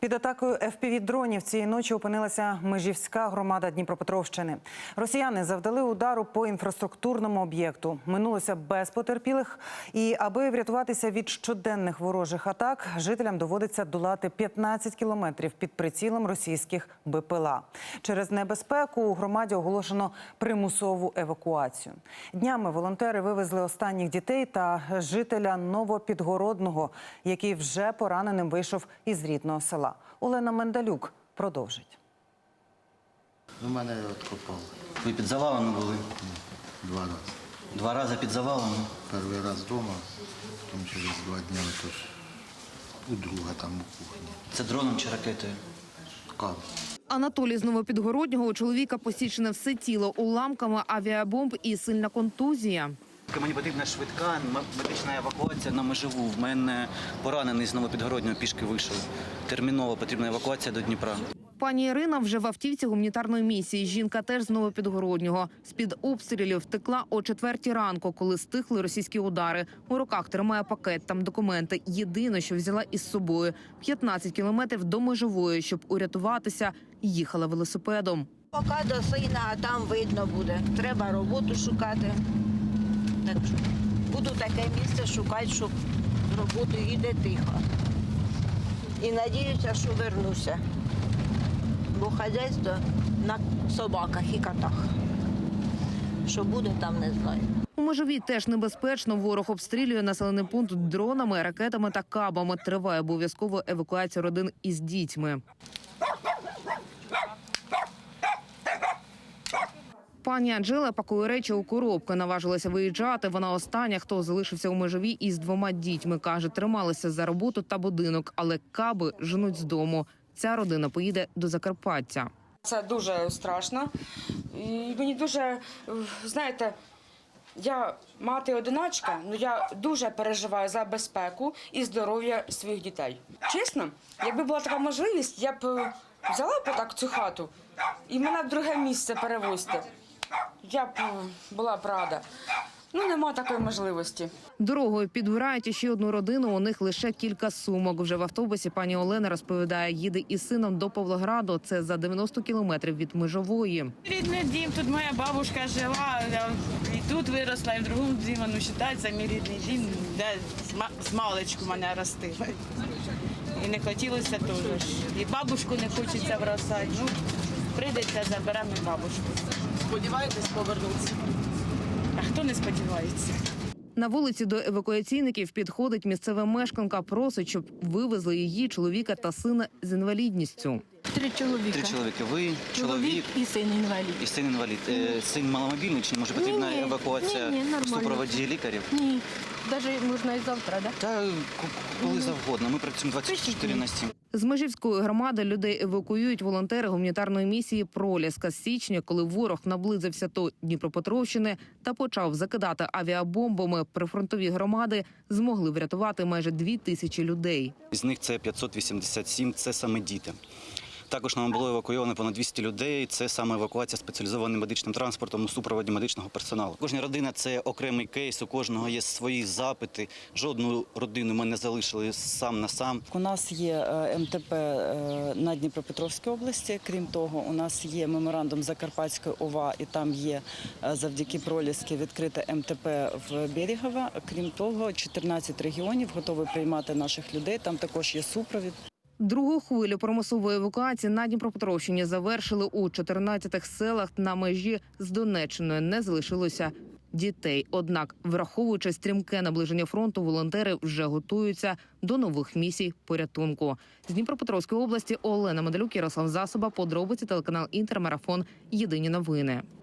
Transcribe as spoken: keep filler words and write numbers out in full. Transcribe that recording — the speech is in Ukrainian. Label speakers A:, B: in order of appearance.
A: Під атакою еф пі ві-дронів цієї ночі опинилася Межівська громада Дніпропетровщини. Росіяни завдали удару по інфраструктурному об'єкту. Минулося без потерпілих. І аби врятуватися від щоденних ворожих атак, жителям доводиться долати п'ятнадцять кілометрів під прицілом російських бе пе ел а. Через небезпеку у громаді оголошено примусову евакуацію. Днями волонтери вивезли останніх дітей та жителя Новопідгородного, який вже пораненим вийшов із рідного села. Олена Мендалюк продовжить.
B: У мене откопали.
C: Ви під завалами були?
B: Два рази.
C: Два рази під завалами?
B: Перший раз вдома, потім через два дні тож у друга там у кухні.
C: Це дроном чи ракетою?
B: Кав.
D: Анатолій з Новопідгороднього, у чоловіка посічене все тіло уламками авіабомб і сильна контузія.
C: Мені потрібна швидка медична евакуація на Межеву. В мене поранений з Новопідгороднього пішки вийшов. Терміново потрібна евакуація до Дніпра.
D: Пані Ірина вже в автівці гуманітарної місії. Жінка теж з Новопідгороднього. З-під обстрілів втекла о четвертій ранку, коли стихли російські удари. У руках тримає пакет, там документи. Єдине, що взяла із собою – п'ятнадцять кілометрів до Межової, щоб урятуватися, їхала велосипедом.
E: Поки до сина, а там видно буде. Треба роботу шукати. Так що буду таке місце шукати, щоб з роботи їде тихо. І надіюся, що вернуся. Бо хазяйство на собаках і котах. Що буде, там не знаю.
D: У Межовій теж небезпечно. Ворог обстрілює населений пункт дронами, ракетами та кабами. Триває обов'язково евакуація родин із дітьми. Пані Анжела пакує речі у коробки. Наважилася виїжджати. Вона остання, хто залишився у Межовій із двома дітьми. Каже, трималися за роботу та будинок, але каби женуть з дому. Ця родина поїде до Закарпаття.
F: Це дуже страшно. І мені дуже, знаєте, я мати-одиначка, але я дуже переживаю за безпеку і здоров'я своїх дітей. Чесно, якби була така можливість, я б взяла б так цю хату і мене в друге місце перевозити. Я б була б рада. Ну, нема такої можливості.
D: Дорогою підбирають іще одну родину, у них лише кілька сумок. Вже в автобусі пані Олена розповідає, їде із сином до Павлограду, це за дев'яносто кілометрів від Межової.
G: Рідний дім, тут моя бабушка жила, я і тут виросла, і в другому дімі, ну, вважається, мій рідний дім, де з маличку мене ростили. І не хотілося теж. І бабушку не хочеться бросати. Ну, прийдеться, заберемо і бабушку.
H: Сподіваєтесь повернутися?
G: А хто не сподівається?
D: На вулиці до евакуаційників підходить місцева мешканка, просить, щоб вивезли її, чоловіка та сина з інвалідністю.
H: Три чоловіка.
C: Три чоловіки. Ви, чоловік,
H: Чоловік і син інвалід.
C: і син інвалід. Е, Син маломобільний, чи може потрібна
H: Ні, ні.
C: евакуація
H: Ні, ні,
C: в
H: нормально.
C: супроводі лікарів?
H: Ні, навіть можна і завтра, так? Да?
C: Та коли завгодно. Ми працюємо двадцять чотири на сім.
D: З Межівської громади людей евакуюють волонтери гуманітарної місії «Проліска» з січня, коли ворог наблизився до Дніпропетровщини та почав закидати авіабомбами. Прифронтові громади змогли врятувати майже дві тисячі людей.
C: З них це п'ятсот вісімдесят сім, це саме діти. Також нам було евакуйовано понад двісті людей. Це саме евакуація спеціалізованим медичним транспортом у супроводі медичного персоналу. Кожна родина – це окремий кейс, у кожного є свої запити. Жодну родину ми не залишили сам на сам.
I: У нас є ем те пе на Дніпропетровській області. Крім того, у нас є меморандум Закарпатської о ва, і там є завдяки Проліски відкрите ем те пе в Берегово. Крім того, чотирнадцять регіонів готові приймати наших людей. Там також є супровід.
D: Другу хвилю примусової евакуації на Дніпропетровщині завершили у чотирнадцяти селах на межі з Донеччиною. Не залишилося дітей. Однак, враховуючи стрімке наближення фронту, волонтери вже готуються до нових місій порятунку. З Дніпропетровської області Олена Мендалюк, Ярослав Засоба, подробиці, телеканал «Інтермарафон», єдині новини.